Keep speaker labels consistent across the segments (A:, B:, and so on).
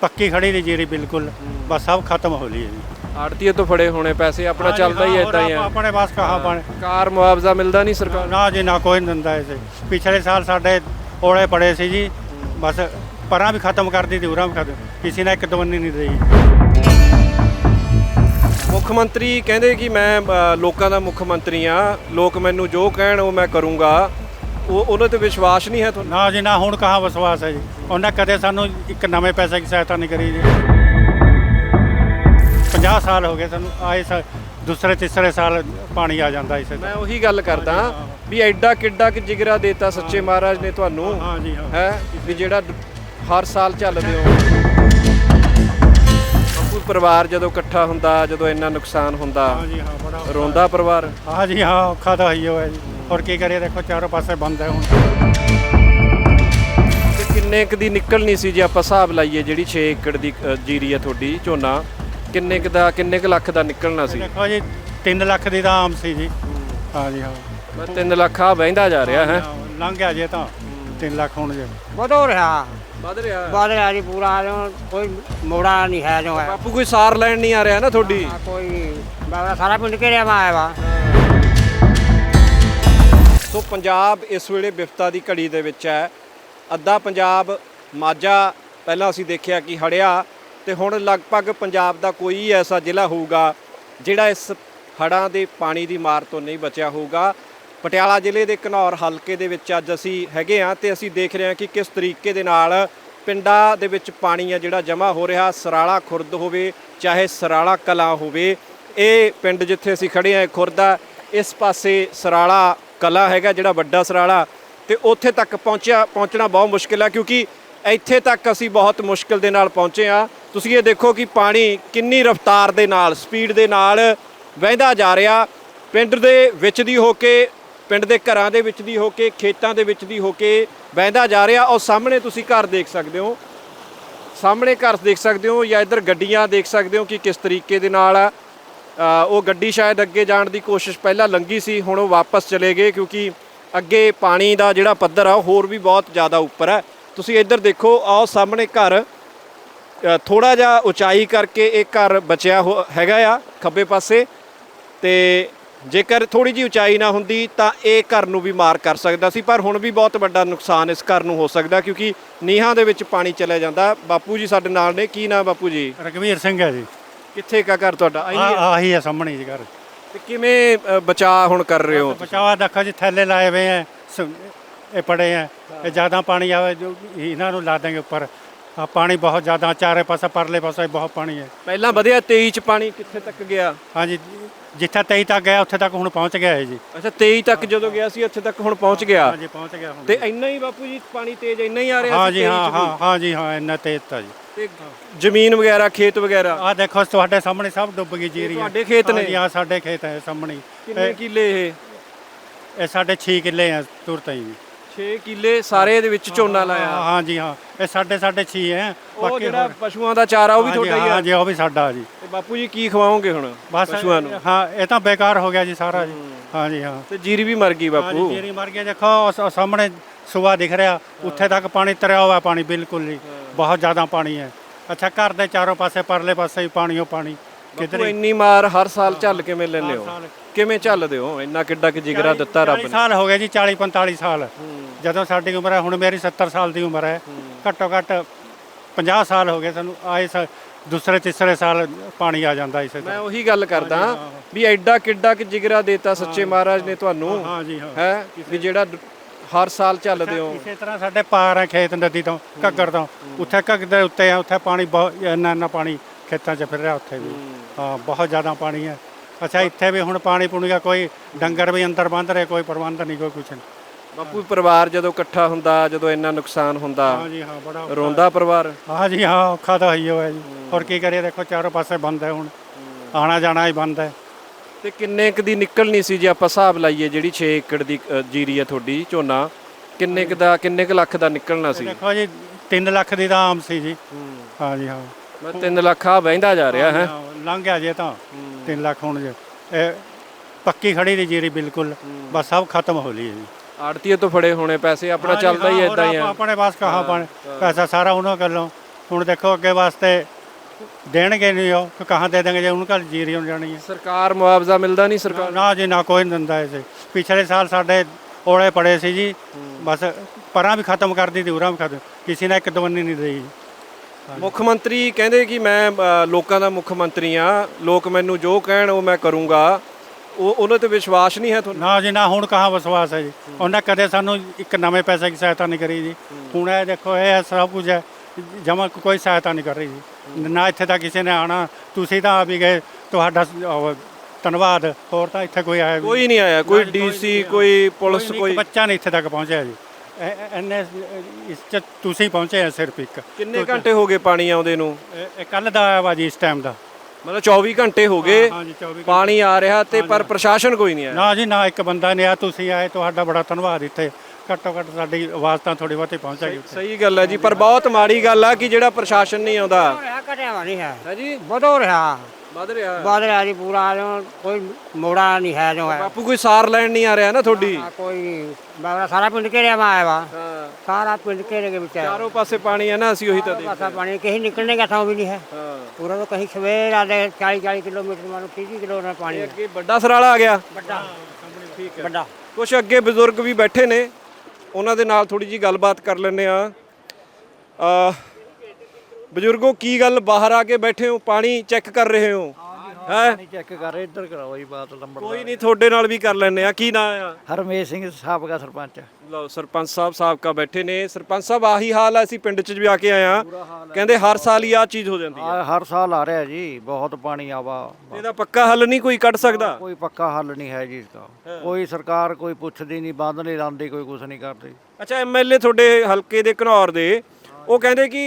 A: पक्की खड़ी थी जीरी बिल्कुल, बस सब खत्म हो ली है जी।
B: ਆੜਤੀਏ ਤੋਂ ਫੜੇ ਹੋਣੇ ਪੈਸੇ ਆਪਣਾ ਚੱਲਦਾ ਹੀ ਇਦਾਂ ਹੀ ਆ।
A: अपने पास कहाँ पाने
B: ਕਾਰ ਮੁਆਵਜ਼ਾ ਮਿਲਦਾ ਨਹੀਂ ਸਰਕਾਰ
A: ना जी ना कोई नहीं दिंदा ऐसे। पिछले साल साढ़े ओले पड़े सी जी, बस परां भी खत्म कर दी थी, उरां भी खत्म, किसी ने एक दवन्नी नहीं दी।
B: ਮੁੱਖ ਮੰਤਰੀ ਕਹਿੰਦੇ ਕਿ ਮੈਂ ਲੋਕਾਂ ਦਾ ਮੁੱਖ ਮੰਤਰੀ ਆ, ਲੋਕ ਮੈਨੂੰ ਜੋ ਕਹਿਣ ਉਹ ਮੈਂ ਕਰੂੰਗਾ, ਉਹ ਉਹਨਾਂ ਤੇ ਵਿਸ਼ਵਾਸ ਨਹੀਂ ਹੈ ਤੁਹਾਨੂੰ?
A: ना जी ना, हुण कहाँ विश्वास है जी। उन्हें कदे सानू एक नवे पैसे की सहायता नहीं करी जी। 50 साल हो गए सानू आए, दूसरे तीसरे साल पानी आ जाता इसे।
B: ਮੈਂ ਉਹੀ ਗੱਲ ਕਰਦਾ ਵੀ ਐਡਾ ਕਿੱਡਾ ਕਿ ਜਿਗਰਾ ਦੇਤਾ ਸੱਚੇ ਮਹਾਰਾਜ ਨੇ ਤੁਹਾਨੂੰ
A: हाँ जी हाँ
B: ਹੈ ਵੀ ਜਿਹੜਾ ਹਰ ਸਾਲ ਚੱਲਦੇ ਹੋ। ਬਾਪੂ ਪਰਿਵਾਰ ਜਦੋਂ ਇਕੱਠਾ ਹੁੰਦਾ, ਜਦੋਂ ਇੰਨਾ ਨੁਕਸਾਨ ਹੁੰਦਾ,
A: हाँ जी हाँ बड़ा
B: ਰੋਂਦਾ ਪਰਿਵਾਰ?
A: हाँ जी हाँ औखा तो ही है जी। और की करिए, देखो चारों पासे बंद है हुण।
B: ਤੇ ਕਿੰਨੇ ਕੁ ਦੀ ਨਿਕਲਣੀ ਸੀ ਜੇ ਆਪਾਂ ਹਿਸਾਬ ਲਾਈਏ, ਜਿਹੜੀ 6 ਏਕੜ ਦੀ ਜੀਰੀ ਆ ਤੁਹਾਡੀ ਝੋਨਾ, ਕਿੰਨੇ ਕੁ ਲੱਖ ਦਾ ਨਿਕਲਣਾ ਸੀ?
A: देखो जी 3 ਲੱਖ ਦੀ ਤਾਂ ਆਮ ਸੀ ਜੀ। हाँ जी हाँ
B: ਮੈਂ 3 ਲੱਖ ਆ ਵਹਿੰਦਾ ਜਾ ਰਿਹਾ ਹੈ।
A: ਲੰਘ ਗਿਆ ਜੇ ਤਾਂ 3 ਲੱਖ ਹੁਣ ਜੇ।
C: ਵਧੋ ਰਿਹਾ
B: ਵੱਧ ਰਿਹਾ।
C: ਵੱਧ ਰਿਹਾ ਜੀ ਪੂਰਾ, ਕੋਈ ਮੋੜਾ ਨਹੀਂ ਹੈ ਜੋ ਹੈ।
B: ਬਾਪੂ ਕੋਈ ਸਾਰ ਲੈਣ ਨਹੀਂ ਆ ਰਿਹਾ ਨਾ ਤੁਹਾਡੀ?
C: ਕੋਈ ਬਾਬਾ ਸਾਰਾ ਪਿੰਡ ਘੇਰਿਆ ਵਾ ਆਇਆ ਵਾ।
B: ਸੋ ਪੰਜਾਬ ਇਸ ਵੇਲੇ ਵਿਪਤਾ ਦੀ ਘੜੀ ਦੇ ਵਿੱਚ ਹੈ। ਅੱਧਾ ਪੰਜਾਬ ਮਾਝਾ ਪਹਿਲਾਂ ਅਸੀਂ ਦੇਖਿਆ ਕਿ ਹੜਿਆ, ਤੇ ਹੁਣ ਲਗਭਗ ਪੰਜਾਬ ਦਾ ਕੋਈ ਐਸਾ ਜ਼ਿਲ੍ਹਾ ਹੋਊਗਾ ਜਿਹੜਾ ਇਸ ਹੜ੍ਹਾਂ ਦੇ ਪਾਣੀ ਦੀ ਮਾਰ ਤੋਂ ਨਹੀਂ ਬਚਿਆ ਹੋਊਗਾ। ਪਟਿਆਲਾ ਜ਼ਿਲ੍ਹੇ ਦੇ ਘਨੌਰ ਹਲਕੇ ਦੇ ਵਿੱਚ ਅੱਜ ਅਸੀਂ ਹੈਗੇ ਹਾਂ ਤੇ ਅਸੀਂ ਦੇਖ ਰਹੇ ਹਾਂ ਕਿ ਕਿਸ ਤਰੀਕੇ ਦੇ ਨਾਲ ਪਿੰਡਾਂ ਦੇ ਵਿੱਚ ਪਾਣੀ ਆ ਜਿਹੜਾ ਜਮ੍ਹਾਂ ਹੋ ਰਿਹਾ। ਸਰਾਲਾ ਖੁਰਦ ਹੋਵੇ ਚਾਹੇ ਸਰਾਲਾ ਕਲਾਂ ਹੋਵੇ, ਇਹ ਪਿੰਡ ਜਿੱਥੇ ਅਸੀਂ ਖੜੇ ਹਾਂ ਖੁਰਦ ਆ, ਇਸ ਪਾਸੇ ਸਰਾਲਾ ਕਲਾਂ ਹੈਗਾ ਜਿਹੜਾ ਵੱਡਾ ਸਰਾਲਾ, ਤੇ ਉੱਥੇ ਤੱਕ ਪਹੁੰਚਣਾ ਬਹੁਤ ਮੁਸ਼ਕਿਲ ਹੈ ਕਿਉਂਕਿ ਇੱਥੇ ਤੱਕ ਅਸੀਂ ਬਹੁਤ ਮੁਸ਼ਕਿਲ ਦੇ ਨਾਲ ਪਹੁੰਚੇ ਹਾਂ। ਤੁਸੀਂ ਇਹ ਦੇਖੋ ਕਿ ਪਾਣੀ ਕਿੰਨੀ ਰਫ਼ਤਾਰ ਦੇ ਨਾਲ, ਸਪੀਡ ਦੇ ਨਾਲ ਵਹਿੰਦਾ ਜਾ ਰਿਹਾ, ਪਿੰਡ ਦੇ ਵਿੱਚ ਦੀ ਹੋ ਕੇ, ਪਿੰਡ ਦੇ ਘਰਾਂ ਦੇ ਵਿੱਚ ਦੀ ਹੋ ਕੇ, ਖੇਤਾਂ ਦੇ ਵਿੱਚ ਦੀ ਹੋ ਕੇ ਵਹਿੰਦਾ ਜਾ ਰਿਹਾ। ਔਰ ਸਾਹਮਣੇ ਤੁਸੀਂ ਘਰ ਦੇਖ ਸਕਦੇ ਹੋ, ਸਾਹਮਣੇ ਘਰ ਦੇਖ ਸਕਦੇ ਹੋ, ਜਾਂ ਇੱਧਰ ਗੱਡੀਆਂ ਦੇਖ ਸਕਦੇ ਹੋ ਕਿ ਕਿਸ ਤਰੀਕੇ ਦੇ ਨਾਲ ਉਹ ਗੱਡੀ ਸ਼ਾਇਦ ਅੱਗੇ ਜਾਣ ਦੀ ਕੋਸ਼ਿਸ਼ ਪਹਿਲਾਂ ਲੰਘੀ ਸੀ, ਹੁਣ ਉਹ ਵਾਪਸ ਚਲੇ ਗਏ ਕਿਉਂਕਿ ਅੱਗੇ ਪਾਣੀ ਦਾ ਜਿਹੜਾ ਪੱਧਰ ਆ ਉਹ ਹੋਰ ਵੀ ਬਹੁਤ ਜ਼ਿਆਦਾ ਉੱਪਰ ਹੈ। ਤੁਸੀਂ ਇੱਧਰ ਦੇਖੋ, ਆਓ ਸਾਹਮਣੇ ਘਰ ਥੋੜਾ ਜਿਹਾ ਉਚਾਈ ਕਰਕੇ ਇਹ ਘਰ ਬਚਿਆ ਹੈਗਾ ਆ ਖੱਬੇ ਪਾਸੇ, ਤੇ ਜੇਕਰ ਥੋੜੀ ਜਿਹੀ ਉਚਾਈ ਨਾ ਹੁੰਦੀ ਤਾਂ ਇਹ ਘਰ ਨੂੰ ਵੀ ਮਾਰ ਕਰ ਸਕਦਾ ਸੀ, ਪਰ ਹੁਣ ਵੀ ਬਹੁਤ ਵੱਡਾ ਨੁਕਸਾਨ ਇਸ ਘਰ ਨੂੰ ਹੋ ਸਕਦਾ ਕਿਉਂਕਿ ਨੀਹਾਂ ਦੇ ਵਿੱਚ ਪਾਣੀ ਚਲਿਆ ਜਾਂਦਾ। ਬਾਪੂ ਜੀ ਸਾਡੇ ਨਾਲ ਨੇ, ਕੀ ਨਾਮ ਬਾਪੂ ਜੀ?
A: ਰਘਵੀਰ ਸਿੰਘ ਹੈ ਜੀ।
B: ਕਿੱਥੇ ਕਾ ਘਰ ਤੁਹਾਡਾ?
A: ਆਹੀ ਹੈ ਸਾਹਮਣੇ ਜੀ ਘਰ।
B: ਤੇ ਕਿਵੇਂ ਬਚਾਅ ਹੁਣ ਕਰ ਰਹੇ ਹੋ?
A: ਬਚਾਵਾ ਦੇਖੋ ਜੀ, ਥੈਲੇ ਲਾਏ ਹੋਏ ਹੈ, ਇਹ ਪੜੇ ਹੈ, ਇਹ ਜ਼ਿਆਦਾ ਪਾਣੀ ਆਵੇ ਜੋ ਇਹਨਾਂ ਨੂੰ ਲਾ ਦੇंगे ਉੱਪਰ। ਪਾਣੀ ਬਹੁਤ ਜ਼ਿਆਦਾ, ਚਾਰੇ ਪਾਸੇ ਪਰਲੇ ਪਾਸੇ ਬਹੁਤ ਪਾਣੀ ਹੈ।
B: ਪਹਿਲਾਂ ਵਧਿਆ 23 ਚ ਪਾਣੀ ਕਿੱਥੇ ਤੱਕ ਗਿਆ?
A: ਹਾਂਜੀ, ਜਿੱਥੇ 23 ਤੱਕ ਗਿਆ ਉੱਥੇ ਤੱਕ ਹੁਣ ਪਹੁੰਚ ਗਿਆ ਹੈ ਜੀ।
B: ਅੱਛਾ, 23 ਤੱਕ ਜਦੋਂ ਗਿਆ ਸੀ ਉੱਥੇ ਤੱਕ ਹੁਣ ਪਹੁੰਚ ਗਿਆ?
A: ਹਾਂਜੀ ਪਹੁੰਚ ਗਿਆ ਹੁਣ।
B: ਤੇ ਇੰਨਾ ਹੀ ਬਾਪੂ ਜੀ ਪਾਣੀ ਤੇਜ਼ ਇੰਨਾ ਹੀ ਆ ਰਿਹਾ?
A: ਹਾਂਜੀ ਹਾਂ ਜੀ ਹਾਂ, ਇੰਨਾ ਤੇਜ਼ ਤਾਂ ਜੀ।
B: ਤੇ ਜ਼ਮੀਨ ਵਗੈਰਾ, ਖੇਤ ਵਗੈਰਾ?
A: ਆਹ ਦੇਖੋ ਤੁਹਾਡੇ ਸਾਹਮਣੇ ਸਭ ਡੁੱਬ ਗਈ ਜੀਰੀ।
B: ਤੁਹਾਡੇ ਖੇਤ ਨੇ?
A: ਹਾਂ ਸਾਡੇ ਖੇਤ ਹੈ ਸਾਹਮਣੇ।
B: ਕਿੰਨੇ ਕਿੱਲੇ
A: ਇਹ ਸਾਡੇ 6 ਕਿੱਲੇ ਆ ਤੁਰਤ ਹੀ।
B: 6 ਕਿੱਲੇ ਸਾਰੇ ਦੇ ਵਿੱਚ ਝੋਨਾ ਲਾਇਆ?
A: ਹਾਂ ਜੀ ਹਾਂ, ਇਹ ਸਾਡੇ 6 ਹੈ।
B: ਉਹ ਜਿਹੜਾ ਪਸ਼ੂਆਂ ਦਾ ਚਾਰਾ ਉਹ ਵੀ ਤੁਹਾਡਾ ਹੀ ਆ?
A: ਹਾਂ ਜੀ ਉਹ ਵੀ ਸਾਡਾ ਜੀ।
B: ਤੇ ਬਾਪੂ ਜੀ ਕੀ ਖਵਾਓਗੇ ਹੁਣ ਪਸ਼ੂਆਂ ਨੂੰ?
A: ਹਾਂ ਇਹ ਤਾਂ ਬੇਕਾਰ ਹੋ ਗਿਆ ਜੀ ਸਾਰਾ ਜੀ। ਹਾਂ ਜੀ ਹਾਂ,
B: ਤੇ ਜੀਰੀ ਵੀ ਮਰ ਗਈ ਬਾਪੂ?
A: ਜੀਰੀ ਮਰ ਗਈ। ਦੇਖੋ ਸਾਹਮਣੇ ਸੂਆ ਦਿਖ ਰਿਹਾ, ਉੱਥੇ ਤੱਕ ਪਾਣੀ ਤਰਿਆ ਹੋਇਆ, ਪਾਣੀ ਬਿਲਕੁਲ ਨਹੀਂ, ਬਹੁਤ ਜ਼ਿਆਦਾ ਪਾਣੀ ਹੈ। ਅੱਛਾ, ਘਰ ਦੇ ਚਾਰੋਂ ਪਾਸੇ ਪਰਲੇ ਪਾਸੇ ਹੀ ਪਾਣੀ ਓ ਪਾਣੀ।
B: ਕਿਧਰ ਇੰਨੀ ਮਾਰ ਹਰ ਸਾਲ ਝੱਲ ਕਿਵੇਂ ਲੈਂਦੇ ਹੋ? ਕਿਵੇਂ ਝੱਲਦੇ ਹੋ? ਇੰਨਾ ਕਿੱਡਾ ਕਿ ਜਿਗਰਾ ਦਿੱਤਾ ਰੱਬ ਨੇ।
A: 40 ਸਾਲ ਹੋ ਗਏ ਜੀ, 40-45 ਸਾਲ ਜਦੋਂ ਸਾਡੀ ਉਮਰ ਹੈ। ਹੁਣ ਮੇਰੀ 70 ਸਾਲ ਦੀ ਉਮਰ ਹੈ। ਘੱਟੋ ਘੱਟ 50 ਸਾਲ ਹੋ ਗਏ ਸਾਨੂੰ ਆਏ, ਦੂਸਰੇ ਤੀਸਰੇ ਸਾਲ ਪਾਣੀ ਆ ਜਾਂਦਾ ਇਸੇ।
B: ਮੈਂ ਉਹੀ ਗੱਲ ਕਰਦਾ ਵੀ ਐਡਾ ਕਿੱਡਾ ਕਿ ਜਿਗਰਾ ਦੇਤਾ ਸੱਚੇ ਮਹਾਰਾਜ ਨੇ ਤੁਹਾਨੂੰ
A: ਹਾਂ ਜੀ ਹਾਂ,
B: ਹੈ ਵੀ ਜਿਹੜਾ ਹਰ ਸਾਲ ਚੱਲਦੇ ਹੋ।
A: ਇਸੇ ਤਰ੍ਹਾਂ ਸਾਡੇ ਪਾਰ ਹੈ ਖੇਤ ਨਦੀ ਤੋਂ, ਘੱਗਰ ਤੋਂ, ਉੱਥੇ ਘੱਗਰ ਦੇ ਉੱਤੇ ਆ, ਉੱਥੇ ਪਾਣੀ ਬਹੁਤ ਇੰਨਾ ਪਾਣੀ ਖੇਤਾਂ 'ਚ ਫਿਰ ਰਿਹਾ ਉੱਥੇ ਵੀ। ਹਾਂ ਬਹੁਤ ਜ਼ਿਆਦਾ ਪਾਣੀ ਹੈ। ਅੱਛਾ, ਇੱਥੇ ਵੀ ਹੁਣ ਪਾਣੀ ਪੁਣੀ ਦਾ ਕੋਈ ਡੰਗਰ ਵੀ ਅੰਦਰ ਬੰਦ ਰਹੇ, ਕੋਈ ਪ੍ਰਬੰਧ ਨਹੀਂ, ਕੋਈ ਕੁਛ ਨਹੀਂ।
B: ਬਾਪੂ ਪਰਿਵਾਰ ਜਦੋਂ ਇਕੱਠਾ ਹੁੰਦਾ, ਜਦੋਂ ਇੰਨਾ ਨੁਕਸਾਨ ਹੁੰਦਾ,
A: ਹਾਂ ਜੀ ਹਾਂ ਬੜਾ
B: ਰੋਂਦਾ ਪਰਿਵਾਰ?
A: ਹਾਂ ਜੀ ਹਾਂ ਔਖਾ ਤਾਂ ਹੀ ਹੋਇਆ ਜੀ। ਹੋਰ ਕੀ ਕਰੀਏ, ਦੇਖੋ ਚਾਰੋਂ ਪਾਸੇ ਬੰਦ ਹੈ ਹੁਣ, ਆਣਾ ਜਾਣਾ ਹੀ ਬੰਦ ਹੈ।
B: ਤੇ ਕਿੰਨੇ ਕੁ ਦੀ ਨਿਕਲਣੀ ਸੀ ਜੇ ਆਪਾਂ ਹਿਸਾਬ ਲਾਈਏ, ਜਿਹੜੀ 6 ਏਕੜ ਦੀ ਜੀਰੀ ਆ ਤੁਹਾਡੀ ਝੋਨਾ, ਕਿੰਨੇ ਕੁ ਲੱਖ ਦਾ ਨਿਕਲਣਾ ਸੀ?
A: ਦੇਖੋ ਜੀ 3 ਲੱਖ ਦੀ ਤਾਂ ਆਮ ਸੀ ਜੀ। ਹਾਂ ਜੀ ਹਾਂ,
B: ਮੈਂ 3 ਲੱਖ ਆ ਵਹਿੰਦਾ ਜਾ ਰਿਹਾ ਹੈ।
A: ਲੰਘ ਗਿਆ ਜੇ ਤਾਂ 3 ਲੱਖ ਹੁਣ ਜੇ। ਇਹ ਪੱਕੀ ਖੜੀ ਦੀ ਜੀਰੀ ਬਿਲकुल, ਬਸ सब खत्म हो ली है जी।
B: ਆੜਤੀਏ ਤੋਂ ਫੜੇ ਹੋਣੇ ਪੈਸੇ, ਆਪਣਾ ਚੱਲਦਾ ਹੀ ਇਦਾਂ ਹੀ ਆ।
A: अपने पास कहाँ पाने पैसा, सारा उन्होंने कर लो, ਹੁਣ ਦੇਖੋ ਅੱਗੇ ਵਾਸਤੇ ਦੇਣਗੇ ਨਹੀਂ ਉਹ ਕਿ ਕਹਾਂ ਦੇ ਦੇਣਗੇ ਜੇ ਉਹਨਾਂ ਘਰ ਜੀਰੀ ਹੋ ਜਾਣੀ ਹੈ।
B: ਸਰਕਾਰ ਮੁਆਵਜ਼ਾ ਮਿਲਦਾ ਨਹੀਂ ਸਰਕਾਰ
A: ਨਾ ਜੀ ਨਾ ਕੋਈ ਨਹੀਂ ਦਿੰਦਾ ਐਸੇ। ਪਿਛਲੇ ਸਾਲ ਸਾਡੇ ਔਲੇ ਪੜੇ ਸੀ ਜੀ, ਬਸ ਪਰਾਂ ਵੀ ਖਤਮ ਕਰ ਦਿੱਤੀ ਉਰਾਂ ਵੀ ਖਤਮ, ਕਿਸੇ ਨੇ ਇੱਕ ਦਵੰਨੀ ਨਹੀਂ ਦੇਈ ਜੀ।
B: ਮੁੱਖ ਮੰਤਰੀ ਕਹਿੰਦੇ ਕਿ ਮੈਂ ਲੋਕਾਂ ਦਾ ਮੁੱਖ ਮੰਤਰੀ ਆ, ਲੋਕ ਮੈਨੂੰ ਜੋ ਕਹਿਣ ਉਹ ਮੈਂ ਕਰੂੰਗਾ, ਉਹਨਾਂ ਤੇ ਵਿਸ਼ਵਾਸ ਨਹੀਂ ਹੈ ਤੁਹਾਨੂੰ?
A: ਨਾ ਜੀ ਨਾ, ਹੁਣ ਕਹਾਂ ਵਿਸ਼ਵਾਸ ਹੈ ਜੀ। ਉਹਨੇ ਕਦੇ ਸਾਨੂੰ ਇੱਕ ਨਵੇਂ ਪੈਸੇ ਦੀ ਸਹਾਇਤਾ ਨਹੀਂ ਕਰੀ ਜੀ। ਹੁਣ ਇਹ ਦੇਖੋ ਇਹ ਸਭ ਕੁਝ ਹੈ, ਜਮਾ ਕੋਈ ਸਹਾਇਤਾ ਨਹੀਂ ਕਰ ਰਹੀ ਜੀ। ਨਾ ਇੱਥੇ ਤਾਂ ਕਿਸੇ ਨੇ ਆਣਾ, ਤੁਸੀਂ ਤਾਂ ਆ ਵੀ ਗਏ, ਤੁਹਾਡਾ ਧੰਨਵਾਦ। ਹੋਰ ਤਾਂ ਇੱਥੇ ਕੋਈ ਆਇਆ
B: ਕੋਈ ਨਹੀਂ ਆਇਆ, ਕੋਈ ਡੀਸੀ, ਕੋਈ ਪੁਲਿਸ,
A: ਕੋਈ
B: ਕੋਈ
A: ਬੱਚਾ ਨਹੀਂ ਇੱਥੇ ਤੱਕ ਪਹੁੰਚਿਆ ਜੀ। ਐਨੇ ਇਸ 'ਚ ਤੁਸੀਂ ਪਹੁੰਚੇ ਆ ਸਿਰਫ ਇੱਕ।
B: ਕਿੰਨੇ ਘੰਟੇ ਹੋ ਗਏ ਪਾਣੀ ਆਉਂਦੇ ਨੂੰ?
A: ਇਹ ਕੱਲ ਦਾ ਆਇਆ ਵਾ ਜੀ, ਇਸ ਟਾਈਮ ਦਾ।
B: ਮਤਲਬ 24 ਘੰਟੇ ਹੋ ਗਏ
A: ਹਾਂ ਜੀ, 24
B: ਪਾਣੀ ਆ ਰਿਹਾ ਤੇ ਪਰ ਪ੍ਰਸ਼ਾਸਨ ਕੋਈ ਨਹੀਂ ਆਇਆ।
A: ਨਾ ਜੀ ਨਾ, ਇੱਕ ਬੰਦਾ ਨਹੀਂ ਆਇਆ। ਤੁਸੀਂ ਆਏ, ਤੁਹਾਡਾ ਬੜਾ ਧੰਨਵਾਦ। ਇੱਥੇ ਘੱਟੋ ਘੱਟ ਸਾਡੀ ਆਵਾਜ਼ ਤਾਂ ਥੋੜੀ ਬਹੁਤੀ ਪਹੁੰਚੇਗੀ।
B: ਸਹੀ ਗੱਲ ਹੈ ਜੀ, ਪਰ ਬਹੁਤ ਮਾੜੀ ਗੱਲ ਆ ਕਿ ਜਿਹੜਾ ਪ੍ਰਸ਼ਾਸਨ ਨਹੀਂ ਆਉਂਦਾ।
C: ਘਟਿਆ ਨਹੀਂ ਹੈ
B: ਹੈ ਜੀ,
C: ਵਧੋ ਰਿਹਾ
B: ਵੱਧ ਰਿਹਾ।
C: ਵਧ ਰਿਹਾ ਜੀ ਪੂਰਾ, ਜੋ ਕੋਈ ਮੋੜਾ ਨਹੀਂ ਹੈ ਜੋ ਹੈ।
B: ਬਾਪੂ ਕੋਈ ਸਾਰ ਲੈਣ ਨਹੀਂ ਆ ਰਿਹਾ ਨਾ ਤੁਹਾਡੀ?
C: ਕੋਈ ਨਹੀਂ, ਬਾਬਾ ਸਾਰਾ ਪਿੰਡ ਘੇਰਿਆ ਮੈਂ ਆਇਆ ਵਾ,
B: ਹਾਂ,
C: ਸਾਰਾ ਪਿੰਡ ਘੇਰੇ के ਵਿੱਚ
B: ਚਾਰੋਂ ਪਾਸੇ ਪਾਣੀ ਹੈ ਨਾ, ਅਸੀਂ ਉਹੀ ਤਾਂ
C: पासा पानी कहीं निकलने का ठाव भी नहीं है
B: ਹਾਂ।
C: पूरा। तो कहीं सवेर आधे 40 किलोमीटर मानो 30 किलोमीटर पानी है।
B: ਅੱਗੇ ਵੱਡਾ ਸਰਾਲਾ ਆ ਗਿਆ।
C: बड़ा
B: ਠੀਕ ਹੈ।
C: बड़ा
B: ਕੁਛ ਅੱਗੇ ਬਜ਼ੁਰਗ ਵੀ ਬੈਠੇ ਨੇ, ਉਹਨਾਂ ਦੇ ਨਾਲ ਥੋੜੀ ਜੀ ਗੱਲਬਾਤ ਕਰ ਲੈਂਦੇ ਆ। ਬਜ਼ੁਰਗੋ ਕੀ ਗੱਲ, ਬਾਹਰ ਆ ਕੇ ਬੈਠੇ ਹੋ, ਪਾਣੀ ਚੈੱਕ ਕਰ ਰਹੇ ਹੋ? ਹੈ
D: ਚੈੱਕ ਕਰ ਇੱਧਰ ਕਰਾਓ ਜੀ ਬਾਤ ਲੰਬੜ।
B: ਕੋਈ ਨਹੀਂ, ਤੁਹਾਡੇ ਨਾਲ ਵੀ ਕਰ ਲੈਂਦੇ ਆ। ਕੀ ਨਾਂ ਆ?
D: ਹਰਮੇਸ਼ ਸਿੰਘ ਸਾਬਕਾ ਸਰਪੰਚ।
B: ਲਓ, ਸਰਪੰਚ ਸਾਹਿਬ ਸਾਬਕਾ ਬੈਠੇ ਨੇ। ਸਰਪੰਚ ਸਾਹਿਬ ਆਹੀ ਹਾਲ ਆ, ਅਸੀਂ ਪਿੰਡ 'ਚ ਵੀ ਆ ਕੇ ਆਏ ਆ, ਕਹਿੰਦੇ ਹਰ ਸਾਲ ਹੀ ਆਹ ਚੀਜ਼ ਹੋ ਜਾਂਦੀ ਹੈ।
D: ਹਰ ਸਾਲ ਆ ਰਿਹਾ ਜੀ, ਬਹੁਤ ਪਾਣੀ ਆਵਾ।
B: ਇਹਦਾ ਪੱਕਾ ਹੱਲ ਨਹੀਂ ਕੋਈ ਕੱਢ ਸਕਦਾ?
D: ਕੋਈ ਪੱਕਾ ਹੱਲ ਨਹੀਂ ਹੈ ਜੀ ਇਸਦਾ। ਕੋਈ ਸਰਕਾਰ ਕੋਈ ਪੁੱਛਦੀ ਨਹੀਂ, ਬੰਦ ਨਹੀਂ ਲਾਉਂਦੀ, ਕੋਈ ਕੁਝ ਨਹੀਂ ਕਰਦੀ।
B: ਅੱਛਾ, ਐਮਐਲਏ ਤੁਹਾਡੇ ਹਲਕੇ ਦੇ ਘਨੌਰ ਦੇ, ਉਹ ਕਹਿੰਦੇ ਕਿ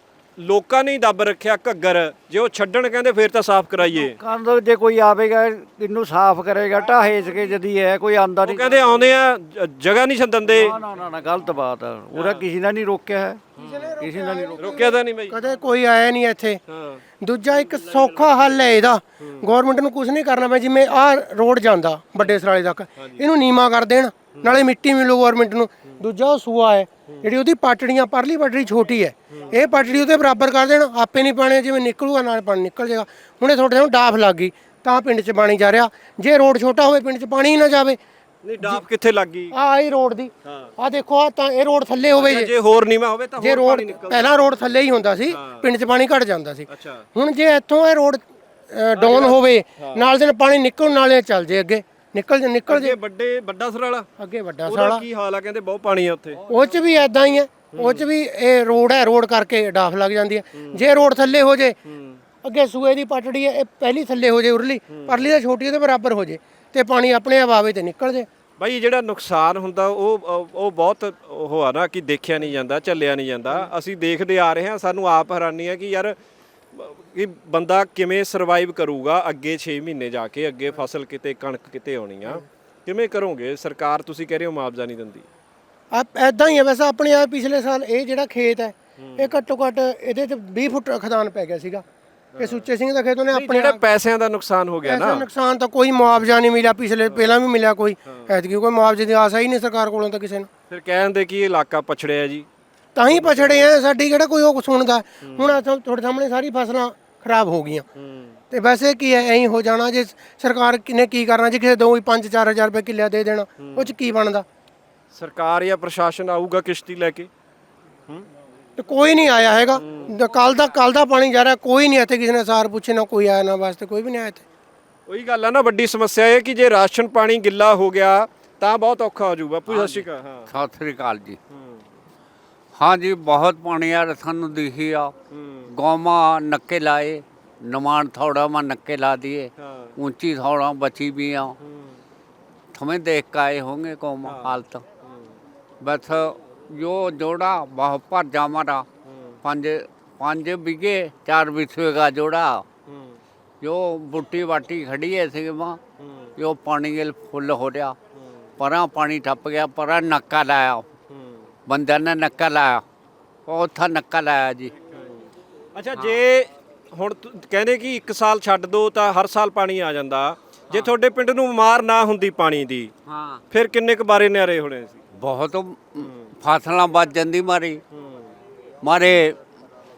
B: ਲੋਕਾਂ ਨੇ ਹੀ ਦੱਬ ਰੱਖਿਆ ਘੱਗਰ, ਜੇ ਉਹ ਛੱਡਣ ਕਹਿੰਦੇ ਫਿਰ ਤਾਂ ਸਾਫ਼ ਕਰਾਈਏ।
D: ਕੰਦ ਜੇ ਕੋਈ ਆਵੇਗਾ ਇਹਨੂੰ ਸਾਫ਼ ਕਰੇਗਾ, ਢਾਹੇ ਕੇ ਜਦੀ ਹੈ ਕੋਈ ਆਂਦਾ
B: ਉਹ
D: ਨਹੀਂ।
B: ਕਹਿੰਦੇ ਆਉਂਦੇ ਆ, ਜਗ੍ਹਾ ਨਹੀਂ ਛੱਡਣ ਦੇ।
D: ਨਾ ਨਾ ਨਾ, ਗਲਤ ਬਾਤ ਹੈ। ਉਹਦਾ ਕਿਸੇ ਨੇ ਨਹੀਂ ਰੋਕਿਆ ਹੈ, ਕਿਸੇ ਨੇ ਨਹੀਂ
B: ਰੋਕਿਆ ਤਾਂ ਨਹੀਂ ਬਈ?
E: ਕਦੇ ਕੋਈ ਆਇਆ ਨਹੀਂ ਇੱਥੇ।
B: ਹਾਂ,
E: ਦੂਜਾ ਇੱਕ ਸੌਖਾ ਹੱਲ ਹੈ ਇਹਦਾ, ਗਵਰਨਮੈਂਟ ਨੂੰ ਕੁਝ ਨਹੀਂ ਕਰਨਾ। ਮੈਂ ਜਿਵੇਂ ਆਹ ਰੋਡ ਜਾਂਦਾ ਵੱਡੇ ਸਰਾਲੇ ਤੱਕ, ਇਹਨੂੰ ਨੀਮਾ ਕਰ ਦੇਣ, ਨਾਲੇ ਮਿੱਟੀ ਮਿਲੂ ਗਵਰਨਮੈਂਟ ਨੂੰ। ਦੂਜਾ ਉਹ ਸੂਆ ਹੈ, ਜਿਹੜੀ ਉਹਦੀ ਪਾਟੜੀਆਂ, ਪਰਲੀ ਪਾਟੜੀ ਛੋਟੀ ਹੈ, ਇਹ ਪਾਟੜੀ ਉਹਦੇ ਬਰਾਬਰ ਕਰ ਦੇਣ, ਆਪੇ ਨਹੀਂ ਪਾਣੀ ਜਿਵੇਂ ਨਿਕਲੂਗਾ ਨਾਲ ਪਾਣੀ ਨਿਕਲ ਜਾਏਗਾ। ਹੁਣ ਇਹ ਤੁਹਾਡੇ ਨੂੰ ਡਾਫ ਲੱਗ ਗਈ ਤਾਂ ਪਿੰਡ 'ਚ ਪਾਣੀ ਜਾ ਰਿਹਾ। ਜੇ ਰੋਡ ਛੋਟਾ ਹੋਵੇ ਪਿੰਡ 'ਚ ਪਾਣੀ ਹੀ ਨਾ ਜਾਵੇ।
B: ਨਹੀਂ ਡਾਫ ਕਿੱਥੇ ਲੱਗ ਗਈ?
E: ਆਹ ਹੀ ਰੋਡ ਦੀ, ਆਹ ਦੇਖੋ, ਆਹ ਤਾਂ ਇਹ ਰੋਡ ਥੱਲੇ ਹੋਵੇ।
B: ਜੇ ਹੋਰ ਨੀਵਾਂ ਹੋਵੇ ਤਾਂ
E: ਜੇ
B: ਹੋਰ
E: ਰੋਡ
B: ਪਾਣੀ ਨਿਕਲਦਾ।
E: ਪਹਿਲਾਂ ਰੋਡ ਥੱਲੇ ਹੀ ਹੁੰਦਾ ਸੀ, ਪਿੰਡ 'ਚ ਪਾਣੀ ਘਟ ਜਾਂਦਾ ਸੀ।
B: ਅੱਛਾ,
E: ਹੁਣ ਜੇ ਇੱਥੋਂ ਇਹ ਰੋਡ ਡਾਊਨ ਹੋਵੇ, ਨਾਲ ਦੇ ਨਾਲ ਪਾਣੀ ਨਿਕਲ, ਨਾਲੇ ਚੱਲ ਜੇ ਅੱਗੇ, ਨਿਕਲ ਜੇ
B: ਵੱਡਾ ਸਰਾਲਾ
E: ਅੱਗੇ ਵੱਡਾ
B: ਉਹਦਾ
E: ਸਾਲਾ।
B: ਕੀ ਹਾਲ ਆ? ਕਹਿੰਦੇ ਬਹੁਤ ਪਾਣੀ ਆ ਉੱਥੇ।
E: ਉਹ 'ਚ ਵੀ ਐਦਾਂ ਹੀ ਹੈ, ਉਹ 'ਚ ਵੀ ਇਹ ਰੋਡ ਹੈ, ਰੋਡ ਕਰਕੇ ਡਾਫ ਲੱਗ ਜਾਂਦੀ ਹੈ। ਜੇ ਰੋਡ ਥੱਲੇ ਹੋ ਜੇ, ਅੱਗੇ ਸੂਏ ਦੀ ਪਟੜੀ ਹੈ, ਇਹ ਪਹਿਲੀ ਥੱਲੇ ਹੋ ਜੇ, ਉਰਲੀ ਪਰਲੀ ਦਾ ਛੋਟੀ ਉਹਦੇ ਬਰਾਬਰ ਹੋ ਜੇ, ਤੇ ਪਾਣੀ ਆਪਣੇ ਆਪ ਆਵੇ ਤੇ ਨਿਕਲ ਜੇ।
B: ਬਾਈ ਜਿਹੜਾ ਨੁਕਸਾਨ ਹੁੰਦਾ ਉਹ ਬਹੁਤ ਉਹ ਆ ਨਾ ਕਿ ਦੇਖਿਆ ਨਹੀਂ ਜਾਂਦਾ, ਝੱਲਿਆ ਨਹੀਂ ਜਾਂਦਾ। ਅਸੀਂ ਦੇਖਦੇ ਆ ਰਹੇ ਹਾਂ, ਸਾਨੂੰ ਆਪ ਹੈਰਾਨੀ ਹੈ ਕਿ ਯਾਰ ਕਿ ਬੰਦਾ ਕਿਵੇਂ ਸਰਵਾਈਵ ਕਰੂਗਾ ਅੱਗੇ 6 ਮਹੀਨੇ ਜਾ ਕੇ, ਅੱਗੇ ਫਸਲ ਕਿਤੇ, ਕਣਕ ਕਿਤੇ ਆਉਣੀ ਆ, ਕਿਵੇਂ ਕਰੋਗੇ? ਸਰਕਾਰ ਤੁਸੀਂ ਕਹਿ ਰਹੇ ਹੋ ਮੁਆਵਜ਼ਾ ਨਹੀਂ ਦਿੰਦੀ।
E: ਐਦਾਂ ਹੀ ਹੈ ਵੈਸੇ। ਆਪਣੇ ਆ ਪਿਛਲੇ ਸਾਲ ਇਹ ਜਿਹੜਾ ਖੇਤ ਹੈ, ਇਹ ਘੱਟੋ ਘੱਟ ਇਹਦੇ 'ਚ 20 ਫੁੱਟ ਖਦਾਨ ਪੈ ਗਿਆ ਸੀਗਾ। ਇਹ ਸੁੱਚੇ ਸਿੰਘ ਦਾ ਖੇਤ, ਉਹਨੇ ਆਪਣੇ
B: ਜਿਹੜਾ ਪੈਸਿਆਂ ਦਾ ਨੁਕਸਾਨ ਹੋ ਗਿਆ
E: ਐਸਾ
B: ਨਾ,
E: ਨੁਕਸਾਨ ਤਾਂ ਕੋਈ ਮੁਆਵਜ਼ਾ ਨਹੀਂ ਮਿਲਿਆ। ਪਹਿਲਾਂ ਵੀ ਮਿਲਿਆ ਕੋਈ, ਐਤਕੀ ਕੋਈ ਮੁਆਵਜ਼ੇ ਦੀ ਆਸ ਹੀ ਨਹੀਂ ਸਰਕਾਰ ਕੋਲੋਂ ਤਾਂ ਕਿਸੇ ਨੂੰ।
B: ਫਿਰ ਕਹਿੰਦੇ ਕਿ ਇਹ ਇਲਾਕਾ ਪਛੜਿਆ ਜੀ।
E: ਤਾਂ ਹੀ ਪਛੜੇ ਆ, ਸਾਡੀ ਕਿਹੜਾ ਕੋਈ ਉਹ ਸੁਣਦਾ। ਹੁਣ ਤੁਹਾਡੇ ਸਾਹਮਣੇ ਸਾਰੀ ਫਸਲਾਂ ਖਰਾਬ ਹੋ ਗਈਆਂ, ਤੇ ਵੈਸੇ ਕੀ ਹੈ, ਐਂ ਹੀ ਹੋ ਜਾਣਾ। ਜੇ ਸਰਕਾਰ ਨੇ ਕੀ ਕਰਨਾ, ਜੇ ਕਿਸੇ ਦੋ 5-4 ਹਜ਼ਾਰ ਰੁਪਏ ਕਿੱਲਿਆ ਦੇ ਦੇਣਾ, ਉਹ 'ਚ ਕੀ ਬਣਦਾ?
B: ਸਰਕਾਰ ਜਾਂ ਪ੍ਰਸ਼ਾਸਨ ਆਊਗਾ ਕਿਸ਼ਤੀ ਲੈ ਕੇ?
E: ਤੇ ਕੋਈ ਨਹੀਂ ਆਇਆ ਹੈਗਾ। ਕੱਲ ਦਾ ਪਾਣੀ ਜਾ ਰਿਹਾ, ਕੋਈ ਨਹੀਂ ਇੱਥੇ ਕਿਸੇ ਨੇ ਸਾਰ ਪੁੱਛੇ, ਨਾ ਕੋਈ ਆਇਆ, ਨਾ ਵਾਸਤੇ ਕੋਈ ਵੀ ਨਹੀਂ ਆਇਆ ਇੱਥੇ।
B: ਉਹੀ ਗੱਲ ਆ ਨਾ, ਵੱਡੀ ਸਮੱਸਿਆ ਇਹ ਕਿ ਜੇ ਰਾਸ਼ਨ ਪਾਣੀ ਗਿੱਲਾ ਹੋ ਗਿਆ ਤਾਂ ਬਹੁਤ ਔਖਾ ਹੋ ਜਾਊ। ਬਾਪੂ ਸਤਿ ਸ਼੍ਰੀ ਅਕਾਲ। ਹਾਂ,
F: ਸਤਿ ਸ੍ਰੀ ਅਕਾਲ ਜੀ। हाँ जी, बहुत पानी आ सानू दिखी आ। गौमा नक्के लाए, नमान थोड़ा में नक्के ला दिए, ऊंची थोड़ा बची भी आ। थमें देख के आए होंगे गौमा हालत। बस जो जोड़ा बहुत भर जा मारा, 5 बीघे 4 बिस्वे का जोड़ा, जो बुट्टी बाटी खड़ी है सी मां, जो पानी फुल हो रहा, परा पानी टप गया, परा नक्का लाया, ਬੰਦਿਆਂ ਨੇ ਨੱਕਾ ਲਾਇਆ, ਉਹ ਉੱਥਾ ਨੱਕਾ ਲਾਇਆ ਜੀ।
B: ਅੱਛਾ, ਜੇ ਹੁਣ ਕਹਿੰਦੇ ਕਿ 1 ਸਾਲ ਛੱਡ ਦੋ ਤਾਂ ਹਰ ਸਾਲ ਪਾਣੀ ਆ ਜਾਂਦਾ, ਜੇ ਤੁਹਾਡੇ ਪਿੰਡ ਨੂੰ ਮਾਰ ਨਾ ਹੁੰਦੀ ਪਾਣੀ ਦੀ,
F: ਹਾਂ,
B: ਫਿਰ ਕਿੰਨੇ ਕੁ ਬਾਰੇ ਨਿਆਰੇ ਹੋਣੇ ਸੀ?
F: ਬਹੁਤ ਫਸਲਾਂ ਬਚ ਜਾਂਦੀ ਮਾਰੇ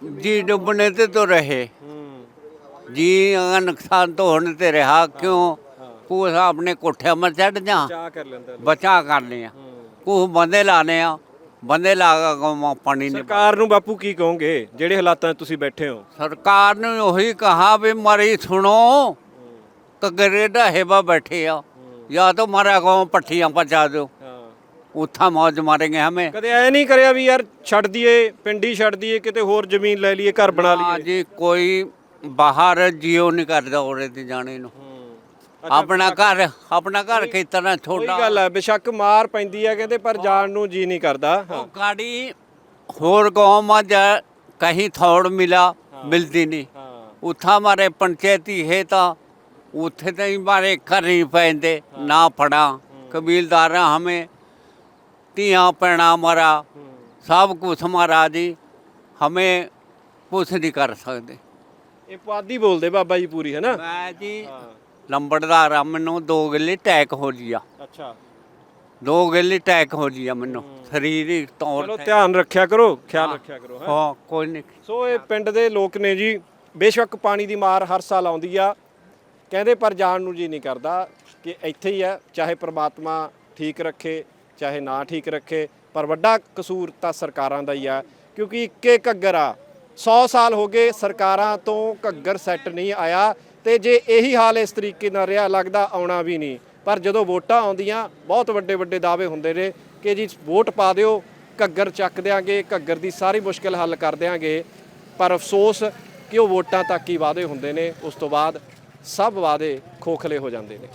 F: जी डूबने से तो रहे, जी अगर नुकसान तो होने से रहा। क्यों कुछ अपने कोठे में चढ़ जा
B: ਚਾਹ ਕਰ ਲੈਂਦਾ
F: बचा कर लिया, कुछ बंदे लाने बंदे लागा गाँव पानी नहीं।
B: ਸਰਕਾਰ ਨੂੰ ਬਾਪੂ ਕੀ ਕਹੋਗੇ ਜਿਹੜੇ ਹਾਲਾਤਾਂ 'ਚ ਤੁਸੀਂ ਬੈਠੇ ਹੋ?
F: सरकार ने वही कहा भी मरी सुनो कगरे ढहेबा बैठे आ, या तो हमारा गाँव पट्टियाँ पचा दो, उथा मौज मारेंगे हमें।
B: ਕਦੇ ਐ ਨਹੀਂ ਕਰਿਆ ਵੀ ਯਾਰ ਛੱਡ ਦਈਏ, ਪਿੰਡ ਹੀ ਛੱਡ ਦਈਏ, ਕਿਤੇ ਹੋਰ ਜ਼ਮੀਨ ਲੈ ਲਈਏ, ਘਰ ਬਣਾ
F: हाँ
B: ਲਈਏ?
F: जी कोई बाहर जियो नहीं करता औरे ते जाने नु, अपना घर खेतना
B: ਕੋਈ
F: छोटा।
B: ਗੱਲ ਹੈ, ਬੇਸ਼ੱਕ ਮਾਰ ਪੈਂਦੀ ਹੈ ਕਹਿੰਦੇ, ਪਰ ਜਾਣ ਨੂੰ ਜੀ ਨਹੀਂ ਕਰਦਾ।
F: वो गाड़ी होर गाँव में जा कहीं थोड़ मिला मिलती नहीं, उथा हमारे पंचायती है तो उथे तो हमारे घर नहीं पैंदे ना पड़ा, कबीलदार हमें तियाँ पैना हमारा सब कुछ हमारा जी, हमें कुछ नहीं कर सकते।
B: ਇਹ ਪੁਆਧੀ ਬੋਲਦੇ ਬਾਬਾ ਜੀ ਪੂਰੀ, ਹੈ ਨਾ?
F: मैं जी लंबड़दार आ, मैनू 2 गिल्ली टैक हो लिया,
B: ਅੱਛਾ
F: 2 गिल्ली टैक हो लिया मैनू शरीरिक तौर
B: ਚਲੋ
F: ते।
B: ਧਿਆਨ ਰੱਖਿਆ ਕਰੋ, ਖਿਆਲ ਰੱਖਿਆ ਕਰੋ। ਹੈਂ?
F: हाँ कोई नहीं।
B: ਸੋ ਇਹ ਪਿੰਡ ਦੇ ਲੋਕ ਨੇ ਜੀ, ਬੇਸ਼ੱਕ ਪਾਣੀ ਦੀ ਮਾਰ ਹਰ ਸਾਲ ਆਉਂਦੀ ਆ ਕਹਿੰਦੇ, ਪਰ ਜਾਣ ਨੂੰ ਜੀ ਨਹੀਂ ਕਰਦਾ ਕਿ ਇੱਥੇ ਹੀ ਹੈ। ਚਾਹੇ ਪ੍ਰਮਾਤਮਾ ਠੀਕ ਰੱਖੇ ਚਾਹੇ ਨਾ ਠੀਕ ਰੱਖੇ, ਪਰ ਵੱਡਾ ਕਸੂਰ ਤਾਂ ਸਰਕਾਰਾਂ ਦਾ ਹੀ ਆ, ਕਿਉਂਕਿ ਇੱਕੇ ਘੱਗਰ ਆ। 100 ਸਾਲ ਹੋ ਗਏ ਸਰਕਾਰਾਂ ਤੋਂ ਘੱਗਰ ਸੈੱਟ ਨਹੀਂ ਆਇਆ, ਤੇ ਜੇ ਇਹੀ ਹਾਲ ਇਸ ਤਰੀਕੇ ਨਾਲ ਰਿਹਾ ਲੱਗਦਾ ਆਉਣਾ ਵੀ ਨਹੀਂ। ਪਰ ਜਦੋਂ ਵੋਟਾਂ ਆਉਂਦੀਆਂ ਬਹੁਤ ਵੱਡੇ ਵੱਡੇ ਦਾਅਵੇ ਹੁੰਦੇ ਨੇ ਕਿ ਜੀ ਵੋਟ ਪਾ ਦਿਓ, ਘੱਗਰ ਚੱਕ ਦਿਆਂਗੇ, ਘੱਗਰ ਦੀ ਸਾਰੀ ਮੁਸ਼ਕਿਲ ਹੱਲ ਕਰ ਦਿਆਂਗੇ। ਪਰ ਅਫਸੋਸ ਕਿ ਉਹ ਵੋਟਾਂ ਤੱਕ ਹੀ ਵਾਅਦੇ ਹੁੰਦੇ ਨੇ, ਉਸ ਤੋਂ ਬਾਅਦ ਸਭ ਵਾਅਦੇ ਖੋਖਲੇ ਹੋ ਜਾਂਦੇ ਨੇ।